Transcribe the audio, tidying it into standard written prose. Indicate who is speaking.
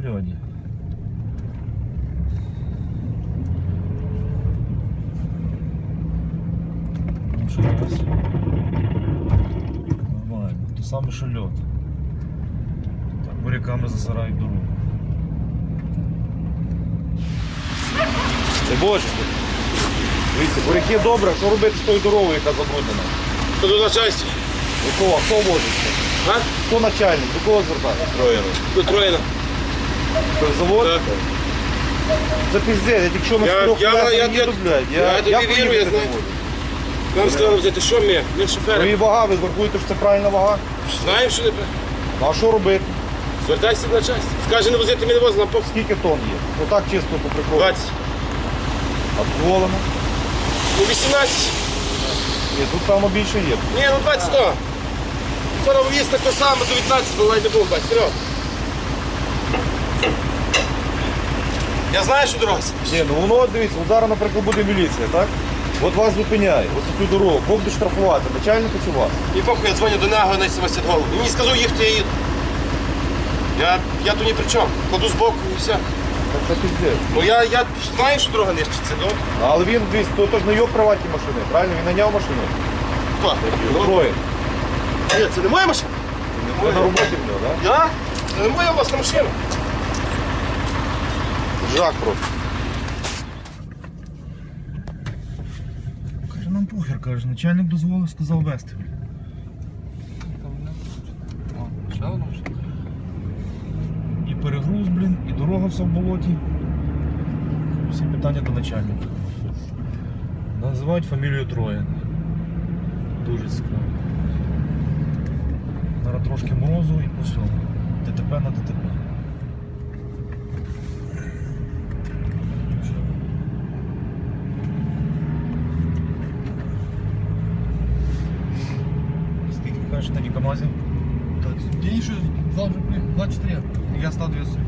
Speaker 1: льоді. Ну що у нас? Нормально, то саме що льод. Так, буряками засирають дорогу. Це боже. Дивіться, буряки добре, що робити з тою дорогою, яка забруднена?
Speaker 2: Хто до начальства?
Speaker 1: До кого? Хто возить?
Speaker 2: А?
Speaker 1: Хто начальник? До кого звертати?
Speaker 2: Троєно. До Троєна.
Speaker 1: Завод?
Speaker 2: Так.
Speaker 1: Це пиздець, я тільки що на чотирьох колесах їду, блядь.
Speaker 2: Я тобі вірю, я
Speaker 1: поїхати
Speaker 2: знаю.
Speaker 1: не можу.
Speaker 2: Нам сказали взяти, що ми шофери.
Speaker 1: Ну і вага, ви рахуєте, що це правильна вага?
Speaker 2: Знаємо, що не правильно.
Speaker 1: Ну а що робити?
Speaker 2: Звертайся до начальства. Скаже, не возити, ми не возимо, нам повз.
Speaker 1: Скільки тонн є? Ну так чисто по приколу.
Speaker 2: 20.
Speaker 1: А дозволено?
Speaker 2: Ну 18.
Speaker 1: Ні, тут певно більше є.
Speaker 2: Ні, ну 20 то. Вчора віз так то саме, до 19 було, навіть не було 20. Серйозно. Я знаю, що дорога.
Speaker 1: Ні, ну воно, дивіться, от зараз, наприклад, буде міліція, так? От вас зупиняє, ось цю дорогу. Кого буде штрафувати, начальника чи вас?
Speaker 2: І похуй, я дзвоню до нього на 70 голову. Мені сказав їхати, я їду. Я тут ні при чому. Кладу збоку і все.
Speaker 1: Так це пиздець.
Speaker 2: Ну я знаю, що дорога нищиться, ну.
Speaker 1: Але він, дивіться, то ж не його приватні машини, правильно? Він наняв машину.
Speaker 2: Хто?
Speaker 1: Троє.
Speaker 2: Ні, це не моя машина.
Speaker 1: Це на роботі в нього, так?
Speaker 2: Я? Це не моя власна машина.
Speaker 1: Жак просто. Каже, нам похер, каже, начальник дозволив, сказав вести. І перегруз, блін, і дорога вся в болоті. Всі питання до начальника. Називають фамілію Троєн. Дуже цікаво. Зараз трошки морозу і по всьому. ДТП на ДТП. Скільки кажеш на Камазі?
Speaker 3: День щось завжди 24.
Speaker 1: Я став 200.